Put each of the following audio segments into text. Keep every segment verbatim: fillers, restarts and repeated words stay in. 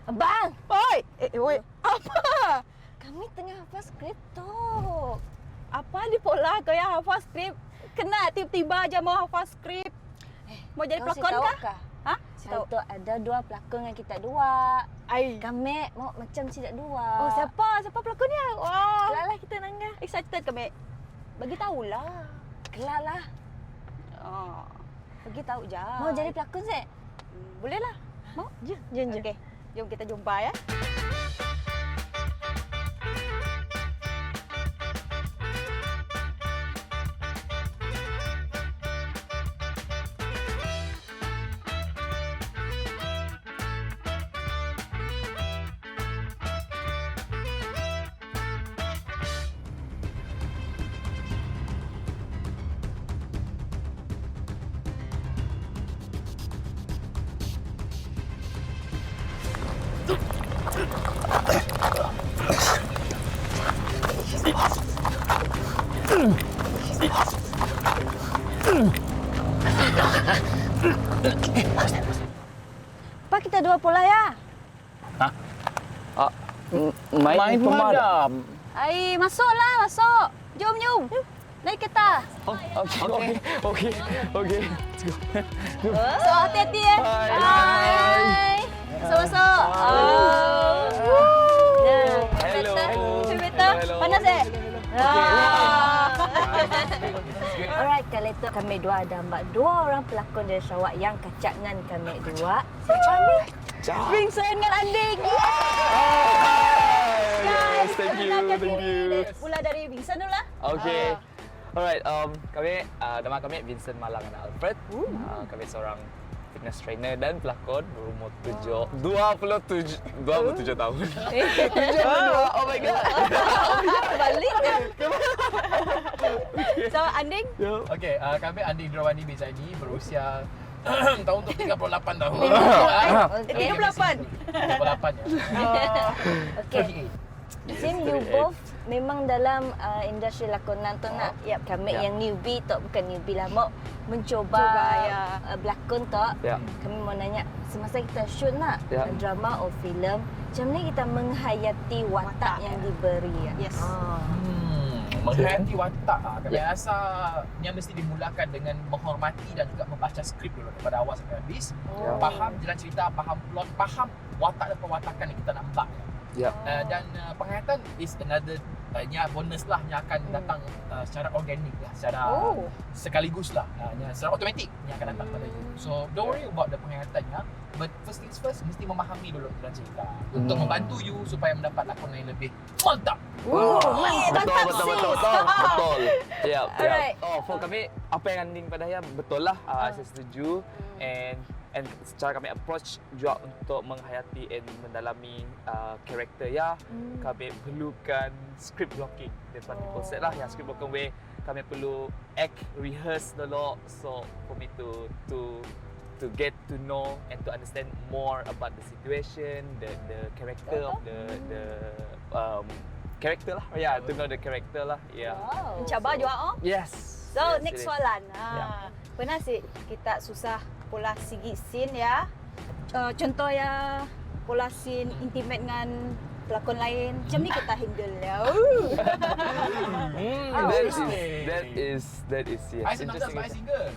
Abang! Oi! Eh, oi. Apa? Kami tengah hafal skrip tu. Apa di pola kau yang hafal skrip? Kena tiba-tiba aja mau hafal skrip. Mau jadi Kau si pelakon tahu kah? kah? Ha? Si tahu. Itu ada dua pelakon yang kita dua. Ai. Kami mau macam tidak dua. Oh, siapa? Siapa pelakonnya? Wah. Kelar lah kita nangga. Excited kami. Bagi tahulah. Kelar lah. Oh. Bagi tahu je. Mau jadi pelakon sih? Hmm, boleh lah. Mau? Jom, jom, jom. Okey. Jom kita jumpa ya. Apa kita dua pola ya? Ah, main, main pemadam. Ai, masuklah, masuk. Jom, jom. Naik kereta. Oh, okey, okey, okey, okey. So, hati-hati ya. Bye. Bye. Masuk, masuk. Oh. Ya, Hello. Kereta. Hello. Panas eh? Ah. Alright, kalau itu kami dua ada mbak dua orang pelakon dari Sarawak yang kacak dengan kami dua. Kami Vincent dengan Anding. Yes, thank you, perkenalkan thank diri. you. Mula dari Vincent dulu lah. Okay. Alright, um, kami, uh, nama kami Vincent Malang dan Alfred. Uh, kami seorang fitness trainer dan pelakon berumur tujuh, dua puluh tujuh, dua puluh tujuh tahun. tujuh puluh dua, oh my god. Balik kan. So, Anding? Okey, uh, kami Andi Drawani Bezaini berusia tahun untuk tiga puluh lapan tahun. Okey. tiga puluh lapan. tiga puluh lapan ya. Okey. Sim, you both memang dalam uh, industri lakonan tu nak. Yap, kami Ya. yang newbie tu, bukan newbie lah, mau mencuba Cuba, ya. uh, berlakon tu. Ya. Kami mau nanya, semasa kita shoot nak Ya. uh, drama atau filem, macam mana kita menghayati watak, Watak, yang ya. diberi? Ya? Yes. Ah. Hmm, menghayati watak ah. Kami Ya. rasa yang mesti dimulakan dengan menghormati dan juga membaca skrip dulu daripada awal sampai habis. Oh. Faham jalan cerita, faham plot, faham watak dan perwatakan yang kita nak buat. Ya. Uh, dan uh, penghayatan is another uh, nya bonus lah yang akan datang uh, secara organik lah, secara Oh. sekaligus lah, uh, nya secara automatik yang akan datang pada you. So don't worry about the penghayatannya, but first things first, mesti memahami dulu jalan cerita untuk Hmm. membantu you supaya mendapat lakonan yang lebih mantap. Oh, betul, mantap betul, betul, sis. betul, betul, betul. Ya, Alright. ya. Oh, for kami, apa yang Anding pada saya betul lah. Uh, saya setuju. And and secara kami approach juga untuk menghayati and mendalami uh, karakter ya, Hmm. kami perlukan script blocking. Depan Oh. konsep lah yang script blocking way kami perlu act, rehearse dulu. So for me to to to get to know and to understand more about the situation, the the character of the the um character lah. Oh, yeah, to know the character lah. Yeah. Wow. Mencabar juga oh. Yes. So, yes, next it is. soalan. Ha. Ya. Pernah sih kita susah pola segi scene ya. Uh, contoh ya pola scene intimate dengan pelakon lain. Macam ni kita handle ya. Hmm, Oh, that is interesting. that is that is yes. I senang just buy single.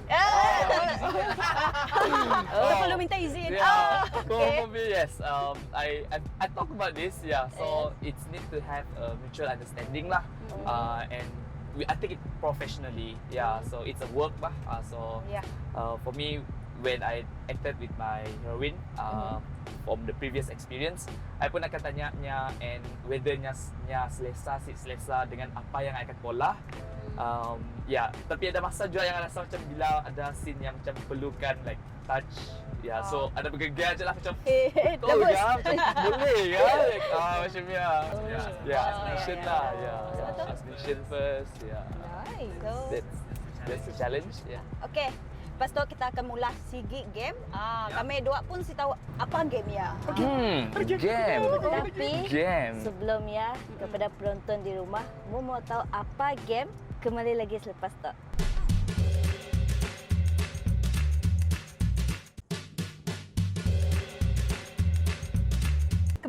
Oh, perlu minta izin. Yeah. Ah, For, okay. for me, yes. Um, I, I I talk about this. Yeah. So it's need to have a mutual understanding lah. Uh, and we I take it professionally. Yeah. So it's a work lah. Uh, so Yeah. uh, for me, when I acted with my heroine uh, from the previous experience, I pun akan tanya nya and whether nya nya selesa si selesa dengan apa yang I akan pola. Um, ya, yeah. Tapi ada masa juga yang rasa macam bila ada scene yang macam perlukan like touch. Ya, yeah, so ada bergegar je lah macam Eh, oh double. ya, macam boleh ya. Like, ah, macam ya. Ya, yeah, Oh, action yeah. lah. Ya, Betul. action first. Ya. Nice. So, That's that's the challenge. Ya. okay. Lepas tu kita akan mula sigi game. Ah, Ya. kami dua pun si tahu apa game ya. Hmm, game. Tapi Game. sebelum ya, kepada penonton di rumah, mu mau tahu apa game? Kembali lagi selepas tu.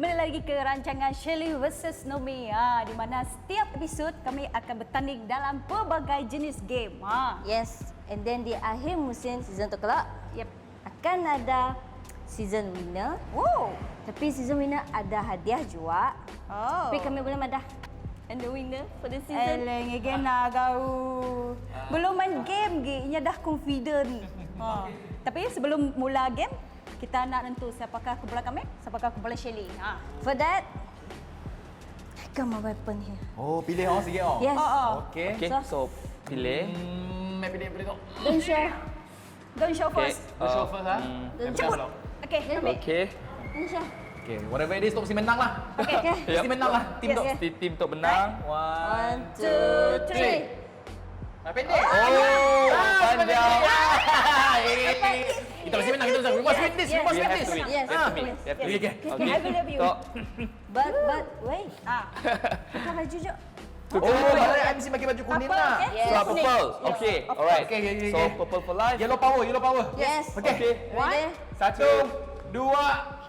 Kembali lagi ke rancangan Shelly versus Nomi, ha, di mana setiap episod kami akan bertanding dalam pelbagai jenis game. Ha. Yes, and then di akhir musim season tu kelak, Yep. akan ada season winner. Wow. Tapi season winner ada hadiah juga. Oh. Tapi kami boleh madah. And the winner for the season. Eleng again nak kau. Belum main game ge, inya dah confident. Ha. Tapi sebelum mula game, kita nak nentu siapakah kumpulan kami, siapakah kumpulan Shelly. Ha. For that, come my weapon here. Oh, pilih oh sikit oh. Yes. Oh, oh. Okey. Okay, so pilih. Hmm, pilih pilih tu. Don't show. Don't show Okay. first. Let's show first ha. hmm. Don't Ceput. show. Okey, ambil. Okay. Don't show. Okey, whatever it is tu mesti menang lah. Okey. Okay. Mesti menang lah. Tim Yes, tu. yes. Mesti tim untuk menang. One, two, three. Nah, pendek. Oh, panjang. Kita mesti menang, kita mesti menang. We must win this, we Yes, must You win have this. to win. Yes. You have to win. You have to Okay, win. okay. Okay, I believe you. So, But, but, wait. Ah. Buka baju je. Oh, malah I mesti pakai baju kuning Apa, lah. okay? Yes. so purple. Okay, alright. Okay, okay, okay, So okay. purple for life. Yellow power, yellow power. Yes. Okay. Okay. Ready? Satu, dua.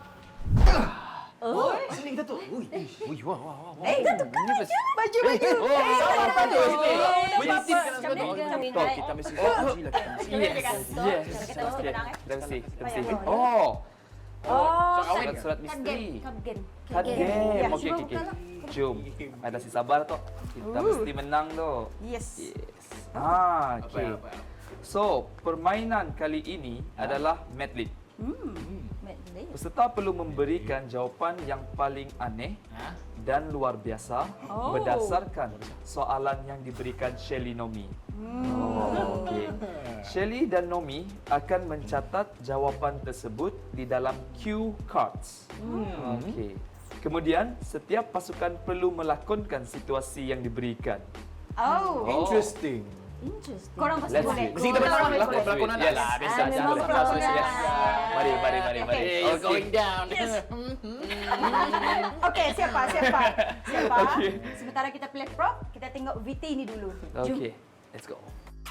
Oh, sini kita tu. Ui, ui, wah, wah, wah. Eh, itu Ini baju. baju baju. Oh, sama baju sini. Winning team apa? kena Macam ni. sebut. So, kita mesti Oh, uji lah. Kita mesti. Yes. Yes. Kita mesti menang, eh. Kita mesti. Kita mesti. Bayar. Oh. Oh, Surat surat Card misteri. game. Card game. Card game. Ya, Okey, okey, okey. buka Jom. Ada si sabar tu. Kita mesti menang tu. yes. Yes. Ah, okey. So, permainan kali ini adalah Medley. Medley. Peserta perlu memberikan jawapan yang paling aneh dan luar biasa Oh. berdasarkan soalan yang diberikan Shelly Nomi. Oh, okey. Shelly dan Nomi akan mencatat jawapan tersebut di dalam cue cards. Okey. Kemudian, setiap pasukan perlu melakonkan situasi yang diberikan. Oh. Interesting. Interesting. Korang pasti Let's boleh. see. Mesti kita menang lah. Let's Pelakon- do it. Pelakonan Yes. lah. Biasa, Ah, biasa. memang Biasa, pelakon biasa. lah. Mari, mari, mari, mari. It's going down. Okey, siapa? Siapa? Siapa? Okey. Sementara kita play prop, kita tengok V T ini dulu. Jom. Okay, let's go.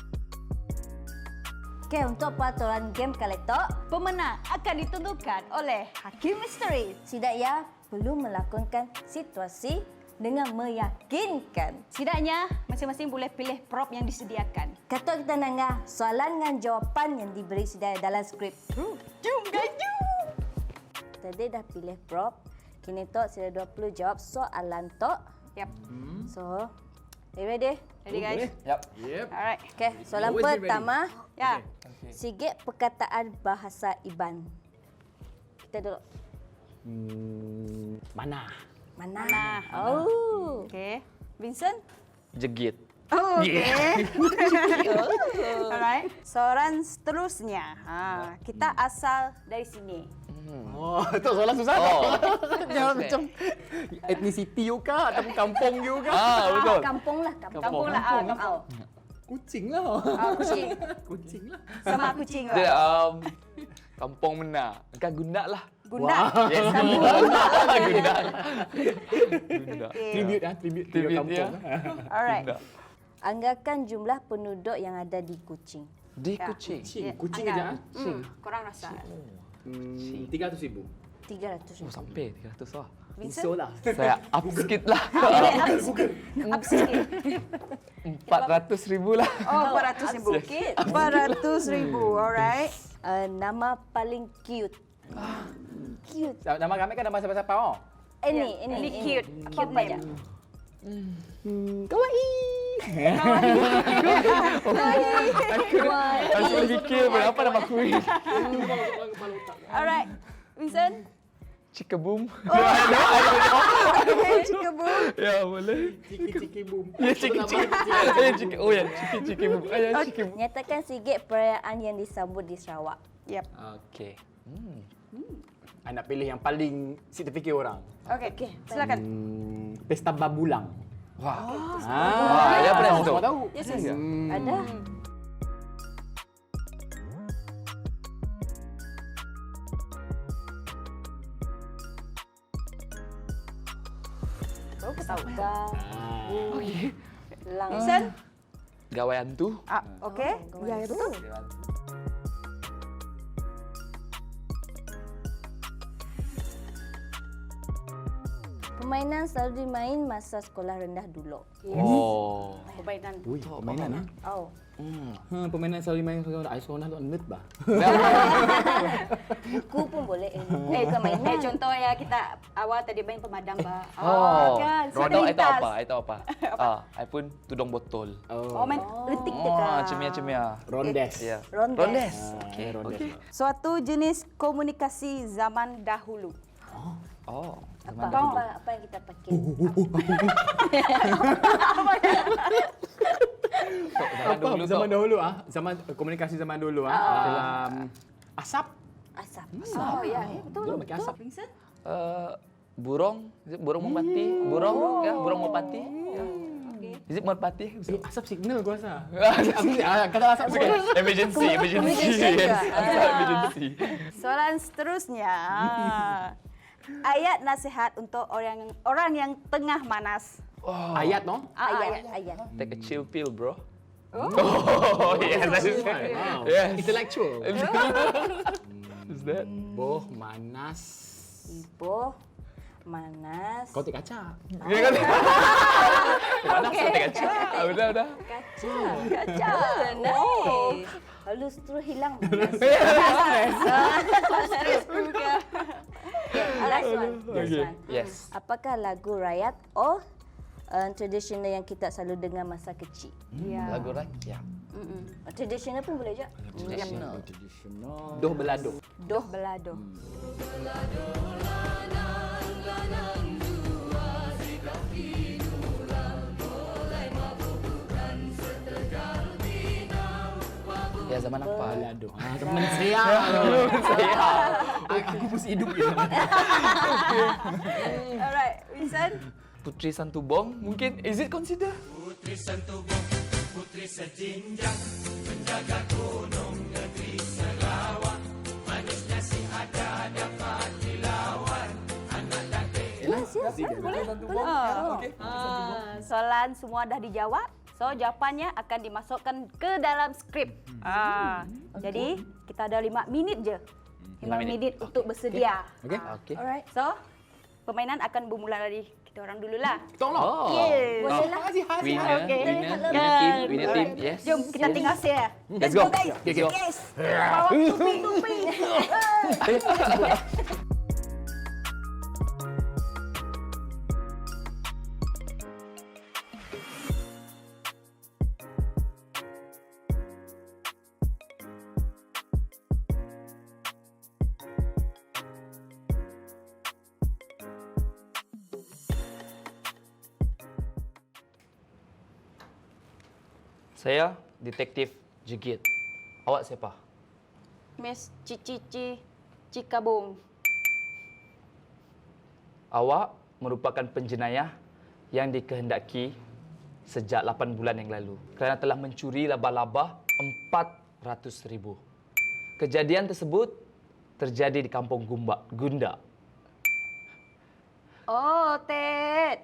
Okay, untuk peraturan game kali tu, Pemenang akan ditentukan oleh Hakim Misteri. si Daya perlu melakonkan situasi dengan meyakinkan. Setidaknya, masing-masing boleh pilih prop yang disediakan. Kata kita nangah soalan dengan jawapan yang diberi sedia dalam skrip. Jom, guys, jom! Tadi dah pilih prop. Kini tok sudah dua puluh jawab soalan tok. Yep. So, are you ready? Ready, guys? Yep. Yep. Alright. Okay, soalan Always be ready. pertama. Ya. Sikit perkataan bahasa Iban. Kita dulu. Hmm, mana? Mana? Mana? Oh. Okey. Vincent? Jegit. Oh, okey. Alright. Soalan seterusnya. Ha, kita asal dari sini. Oh, tu soalan susah tu. Oh. Jangan macam etnisiti you kah ataupun kampung you kah? Ah, betul. Kampung lah, kampung. Kampung lah. Ah, kampung. Kucing lah. Ah, kucing. Kucing lah. Sama kucing Dia lah. um, kampung Mena. Kan Gundak lah. Gunda. Yes. Kampung. Gundak. Gundak. Tribute ah, tribute to your Tribute kampung. dia. Alright. Gundak. Anggarkan jumlah penduduk yang ada di Kuching. Di Ya. kucing. Kucing, Ya, kucing angkat. aja ah. Hmm, korang rasa. Hmm, tiga ratus ribu. tiga ratus Oh, ribu. sampai tiga ratus lah. Vincent? So lah. Saya up sikit lah. Okay, up sikit. Up sikit. empat ratus ribu lah. Oh, empat ratus ribu. Sikit. empat ratus ribu. Alright. Uh, nama paling cute. Cute. Nama kami kan nama siapa-siapa oh. Ini, ini, Ini cute. Apa Cute aja? name. Hmm, kawaii. Langsung fikir berapa nama kuih. Alright. Vincent? Cikabum. Cikabum. Ya, boleh. Ciki-ciki boom. Ya, ciki-ciki. Eh, ciki. Oh ya, ciki-ciki. Ayah, ciki. Nyatakan sikit perayaan yang disambut di Sarawak. Yep. Okey. Hmm. I nak pilih yang paling kita fikir orang. Okay. Silakan. Hmm, Pesta Babulang. Wah. Ah, Wah, ya pernah tu. Semua tahu. Yes, yes. Hmm. Ada? Baru aku tahu. Ga, Okey. lang. Vincent? Gawaian tu. Ah, okay. Oh, Ya, ya, betul. Permainan selalu dimain masa sekolah rendah dulu. Oh. Permainan. Ui, permainan ah. Oh. Hmm. Ha, permainan selalu main sekolah. Ai sekolah tu nerd bah. Buku pun boleh. Eh, buku bukan mainan. Eh, contoh ya kita awal tadi main pemadam, Mbak. Oh, kan. Rodok I tahu lintas. apa? I tahu apa? Ah, I pun tudung botol. Oh, main letik Oh, dekat. cemia-cemia. Rondes. Ya. Rondes. Rondes. Okay, rondes. Suatu jenis komunikasi zaman dahulu. Oh. Apa, apa, apa yang kita pakai? Zaman Apa dulu zaman tu. dahulu ah? Zaman komunikasi zaman dulu ah. Dalam asap. Asap. Oh, ya. Eh, betul. Dulu pakai asap. Vincent? Uh, burung, is it burung merpati? Burung, ya, burung merpati. Ya. Is it merpati? Eh, asap signal gua rasa. Aku ah, kata asap Okay. bukan. Emergency, emergency. Emergency Yes. juga. Asal emergency. Soalan seterusnya. Ayat nasihat untuk orang orang yang tengah manas. Oh. Ayat no? Ah, Ayat, ayat. Take a chill pill, bro. Oh, yes, that is Wow. Yes. Intellectual. Is that? Boh manas. Ibu, manas. Kau tik kaca. Dia kan? Mana okay. Take a chill? Ah, Udah, udah. Kaca. Kaca. Nice. Lalu terus hilang manas. Juga. Last one. Last Okay. one. Yes. Apakah lagu rakyat or uh, tradisional yang kita selalu dengar masa kecil? Ya. Lagu rakyat. Mm-mm. Tradisional pun boleh je. Traditional. Tradisional. Doh belado. Doh belado. Ya, zaman apa? Belado. Ah, teman saya. Saya. Aku mesti hidup gitu. Alright, Vincent. Putri Santubong, mungkin. Is it consider? Yes, yes, yes. Boleh. Boleh. Oh. Ah, soalan semua dah dijawab. So jawapannya akan dimasukkan ke dalam skrip. Ah, jadi kita ada lima minit je. Lima Lima minit minit. untuk bersedia. Okey. Okay. Alright. So permainan akan bermula dari kita orang dululah. Tolong. Oh. Yes. Boleh lah. Winner, Okay. winner, winner Yeah. team, winner team. Yes. Jom kita Yes. tinggal share. Let's go. guys. Let's go. Yes. Bawa tupi-tupi. Saya detektif Jegit. Awak siapa? Miss Cici Cikabung. Awak merupakan penjenayah yang dikehendaki sejak lapan bulan yang lalu kerana telah mencuri laba-laba empat ratus ribu. Kejadian tersebut terjadi di kampung Gumba, Gunda. Oh, Ted.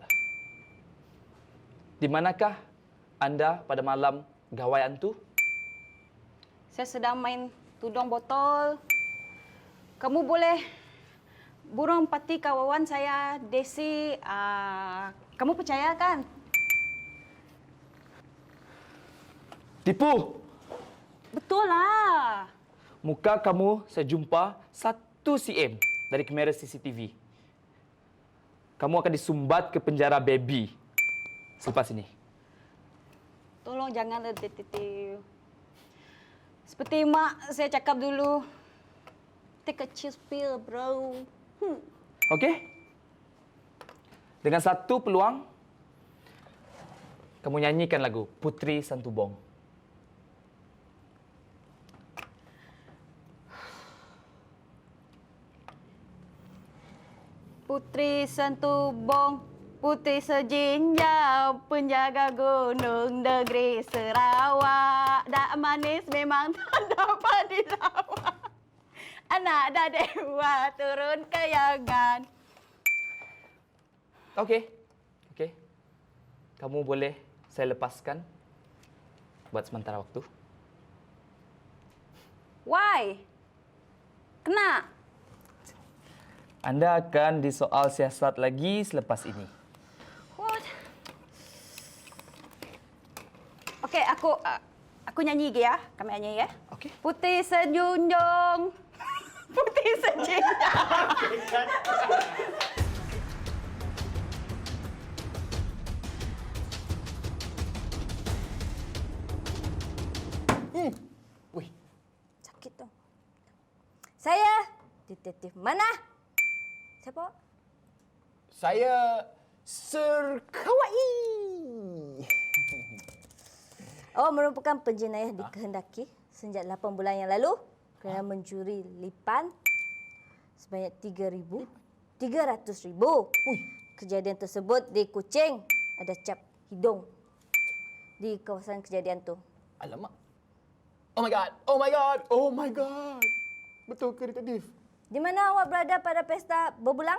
Di manakah anda pada malam gawaian tu? Saya sedang main tudung botol. Kamu boleh burung pati kawan saya, Desi. Uh, kamu percaya kan? Tipu! Betul lah. Muka kamu saya jumpa satu cm dari kamera C C T V. Kamu akan disumbat ke penjara baby selepas ini. Tolong jangan ada detektif. Seperti mak saya cakap dulu. Take a chill pill, bro. Hmm. Okey? Dengan satu peluang, kamu nyanyikan lagu Putri Santubong. Putri Santubong, putri sejinjau, penjaga gunung negeri Sarawak. Dak manis memang tak dapat dilawat. Anak dah dewa turun kayangan. Okey. Okey. Kamu boleh saya lepaskan buat sementara waktu. Why? Kena? Anda akan disoal siasat lagi selepas ini. What? Okey, aku uh, aku nyanyi lagi ya. Kami nyanyi ya. Okey. Putih senyunjung. Putih senyunjung. Hmm. Wih, Sakit tu. Saya detektif mana? Siapa? saya Sir Kawaii. Awak merupakan penjenayah dikehendaki sejak lapan bulan yang lalu kerana mencuri lipan sebanyak tiga ribu tiga ratus ribu. Kejadian tersebut di Kuching ada cap hidung di kawasan kejadian tu. Alamak. Oh my god. Oh my god. Oh my god. Betul ke detektif? Di mana awak berada pada pesta berbulang?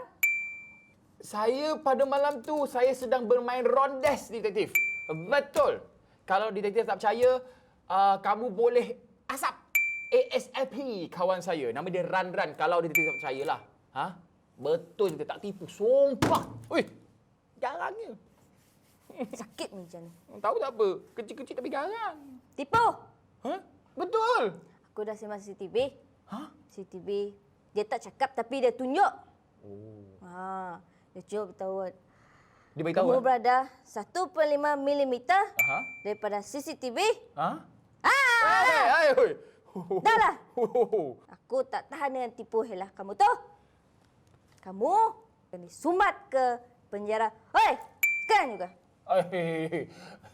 Saya pada malam tu saya sedang bermain rondes, detektif. Betul. Kalau detektif tak percaya, uh, kamu boleh asap ASAP kawan saya. Nama dia Ran Ran. Kalau detektif tak percayalah. Ha? Betul, dia tak tipu. Sumpah. Ui. Garangnya. Sakit macam ni. Tahu tak apa? Kecil-kecil tapi garang. Tipu. Ha? Betul. Aku dah sembang C C T V. Ha? C C T V. Dia tak cakap tapi dia tunjuk. Oh. Ha, dia cuba beritahu. Dia beritahu. Kamu eh? berada satu perpuluhan lima milimeter Aha. daripada C C T V. Ha? Ah, Hai, hai, oi. dah lah. Ho. Aku tak tahan dengan tipu helah kamu tu. Kamu akan disumat ke penjara. Hei, sekarang juga. Ai,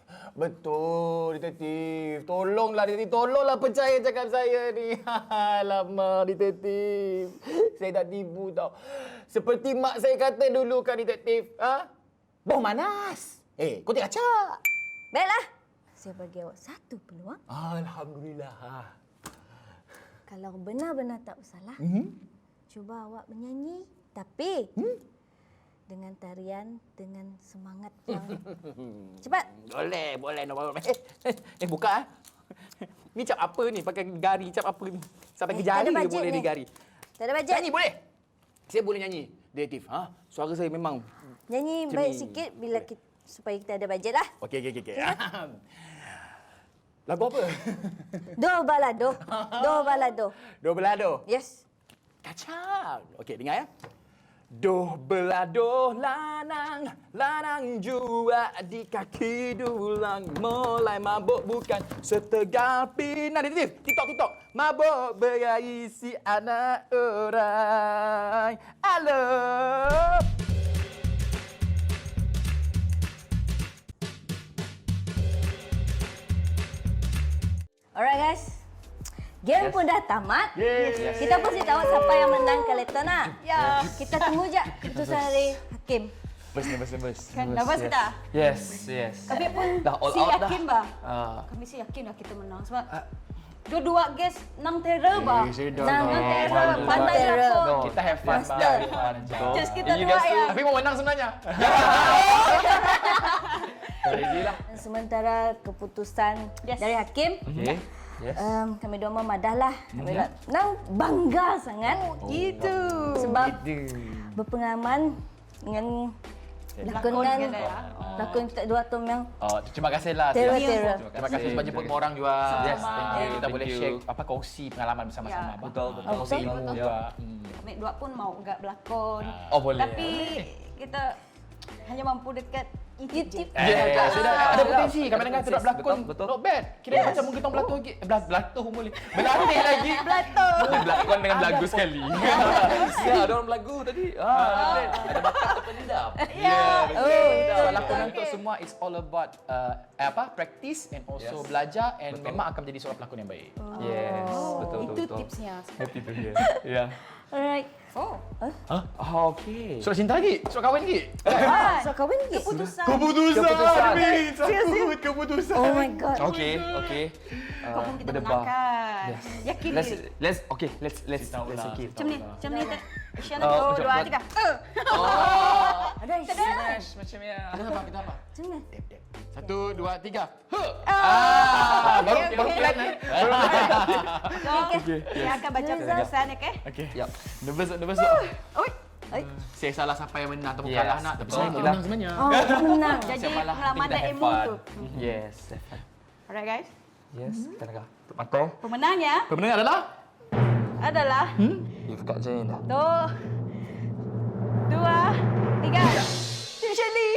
betul, detektif. Tolonglah, detektif. Tolonglah percaya cakap saya ni. Alamak, detektif. Saya tak tipu tau. Seperti mak saya kata dulu kan, detektif. Ha? Bau manas. Eh, kau tak kaca. Baiklah. Saya bagi awak satu peluang. Alhamdulillah. Kalau benar-benar tak bersalah, Hmm? cuba awak menyanyi. Tapi Hmm? dengan tarian, dengan semangat yang cepat. Boleh, boleh. No problem. Eh, eh, eh, buka. Eh. Ni cap apa ni? Pakai gari cap apa ni? Sampai Eh, ke tak ada jari dia bajet boleh ni. digari. Tak ada bajet. Nyanyi boleh? Saya boleh nyanyi, detektif. Ha? Suara saya memang... Nyanyi Macam baik ni. sikit bila kita, supaya kita ada bajet lah. Okey, okey, okey. Okay. Lagu apa? Do balado. Do balado. Do belado. Yes. Kacang. Okey, dengar ya. Doh belado lanang, lanang jua di kaki dulang. Mulai mabuk bukan setegal pinang. Detektif, TikTok, TikTok. Mabuk berisi anak orang. Halo. Alright guys. Game Yes. pun dah tamat. Yes. Kita pasti tahu siapa yang menang kali tu nak. Ya. Kita tunggu je keputusan dari hakim. Nervous, nervous, nervous. Kan nervous kita? Yes, yes. Kami pun Dah all si out dah. yakin bah. Ah. Kami si yakin lah kita menang sebab dua-dua guys nang terror bah. Eh, saya dah Nang nak. terror, Pandai pandai lah terror. kau. Kita have fun, Master. bah. Have fun je. Just kita You dua guys ya. Tapi mau menang sebenarnya. Ready lah. Dan sementara keputusan Yes. dari hakim, Okay. Yes. um, kami dua memadah lah. Kami nak nang bangga sangat. Itu. Sebab berpengalaman dengan lakonan kita ya. lakon kita dua tu yang Oh, terima kasihlah. terror-terror. Terima kasih sebab jemput orang juga. Yes, thank you, Kita thank boleh you. share apa kongsi pengalaman bersama-sama. Ya. Bah. Betul, betul. Kongsi Betul, ilmu betul. juga. Hmm. Kami dua pun mau enggak berlakon. Oh, boleh. Tapi kita hanya mampu dekat YouTube. YouTube. Eh, Eh, sudah eh, ada eh, potensi. eh, Kadang-kadang kita nak betul, berlakon. betul. Not bad. Kira macam mungkin kita berlakon lagi. Eh, belah- Berlatuh boleh. Berlatih lagi. Blato. Berlakon dengan belagu sekali. Ya, ada orang belagu tadi. Ah, ada bakat terpendam. Ya. Oh, So, lakonan tu semua it's all about uh, apa? Practice and also Yes. belajar and Betul. memang akan menjadi seorang pelakon yang baik. Yes, Oh, betul, itu betul, betul. tipsnya. Happy to hear. Ya. Alright. Oh. Oh, okay. Surat cinta lagi? Surat kahwin lagi? Ah, So kahwin lagi? keputusan. Keputusan. Keputusan. Takut keputusan. Oh my god. Okay, okay. Kau pun kita berdebar. menangkan. Yes. Yakin Let's ke? let's okay, let's let's Cerita let's ulang, okay. cerita Macam ni, macam ni. tak? Isyarat Oh, satu, macam dua, buat- tiga. Eh. Ada istilah. Smash macam ya. Kita apa? Kita apa? Macam mana? Satu, dua, tiga. Huh. Ah, baru okey, baru okey. plan eh. So, saya akan baca Zah. keputusan, okey? Okay. Yep. Nervous, nervous. Oi, Oi. Saya salah siapa yang menang ataupun Yes, kalah nak. Tapi betul. saya pun menang sebenarnya. Oh, menang. Jadi Siapa lah, pengalaman kita dan have ilmu fun. tu. Yes, have fun. Alright guys. Yes, kita nak tutup mata. Pemenangnya Pemenang adalah adalah You kat Jain dah. tu dua tiga. Tim Shirley.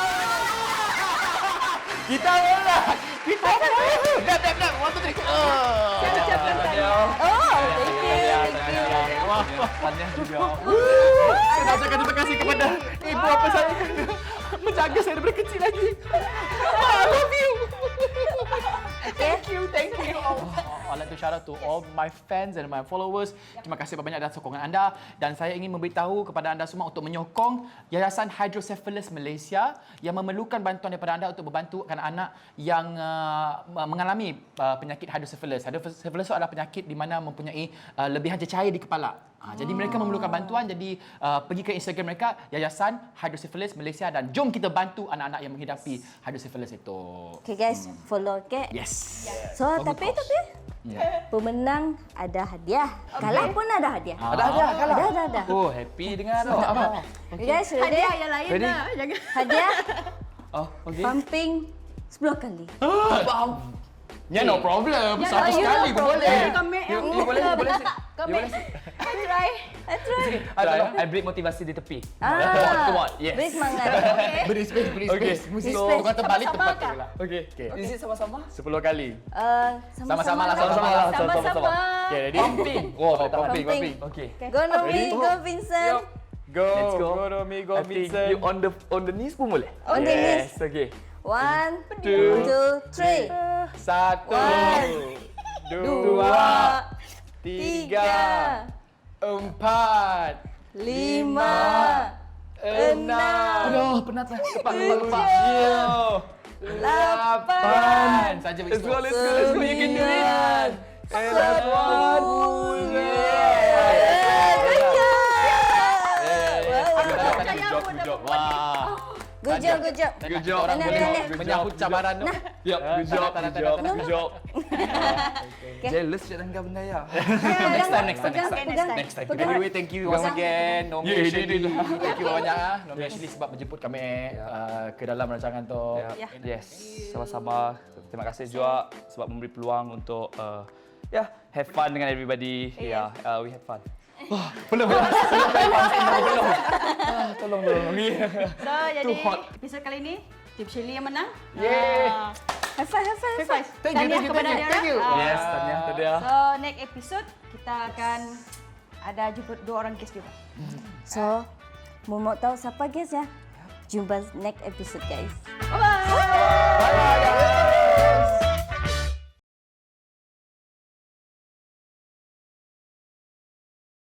kita lah. Kita dah dah dah. Waktu tadi. Saya ucapkan tahniah. Oh, thank you. Thank you. Wah, tahniah juga. Saya nak ucapkan terima kasih kepada ibu bapa saya kerana menjaga saya daripada kecil lagi. I love you. Thank you, thank you. I'd like to shout out to all my fans and my followers. Terima kasih banyak atas sokongan anda dan saya ingin memberitahu kepada anda semua untuk menyokong Yayasan Hydrocephalus Malaysia yang memerlukan bantuan daripada anda untuk membantu anak-anak yang uh, mengalami uh, penyakit hydrocephalus. Hydrocephalus itu adalah penyakit di mana mempunyai uh, lebihan cecair di kepala. Ha, jadi mereka memerlukan bantuan, jadi uh, pergi ke Instagram mereka Yayasan Hydrocephalus Malaysia dan jom kita bantu anak-anak yang menghidapi hydrocephalus itu. Okay guys, follow okay. Yes. So, tapi tapi pemenang ada hadiah. Kalah pun ada hadiah. Ada hadiah kalah. Ada ada ada. Oh, happy dengan tu. Apa? Okay guys, ready? Hadiah yang lain Ready? dah. Jangan. Hadiah Oh, okey. pumping sepuluh kali. Ya, no problem. Ya, Satu you sekali no pun problem. boleh. Kami You, you boleh, you boleh. Kami. You boleh. I try. That's right. I tolong, I beri motivasi di tepi. Ah, Come on, yes. beri semangat. Beri space, beri Okay. space. Mesti So, tukar terbalik sama-sama tempat kah? tu lah. Okay. Okay. Is it sama-sama? Sepuluh kali. Uh, Sama-sama lah, sama-sama lah. Sama-sama. Okay, ready? Pumping. Oh, tak pumping. pumping. Okay. Go Nomi, go Vincent. Go, Let's go. go Romi, go I think Vincent. you on the on the knees pun boleh? On the knees. Yes, okay. One, Two. two, three. Satu, One. dua, tiga, Tiga, empat, lima, enam, Aduh, penat lah. Cepat, cepat, cepat. tujuh, lapan, saja Let's go, let's go, let's go. You can do it. sembilan, sepuluh. Good job, good job. Wah. Good job, good job. Good job. Orang Tahniah, boleh tahniah. menyahut cabaran tu. Yup, good job, good job, good job. Okay. Jealous je tangga benda ya. Next time, next time, next time. Pegang, Next time. pegang. Anyway, thank you once again. Nomi Yeah, Shirley. yeah, yeah. Thank you banyak ah. Nomi Shirley sebab menjemput kami uh, ke dalam rancangan tu. Ya. Yes, sama-sama. Terima kasih juga sebab memberi peluang untuk uh, ya, yeah, have fun dengan everybody. Ya, yeah, uh, we had fun. Belum, belum. Tolong tolong. So, jadi hot. episod kali ini Tim Shirley yang menang. Yeay. Ah, High five, high five, high five. Thank you, tahniah thank you, kepada thank you, dia thank you. orang. Ah. Yes, tahniah tadi ya. So, next episode kita akan ada jemput dua orang guest juga. So, mau mau tahu siapa guys ya? Jumpa next episode guys. Bye-bye.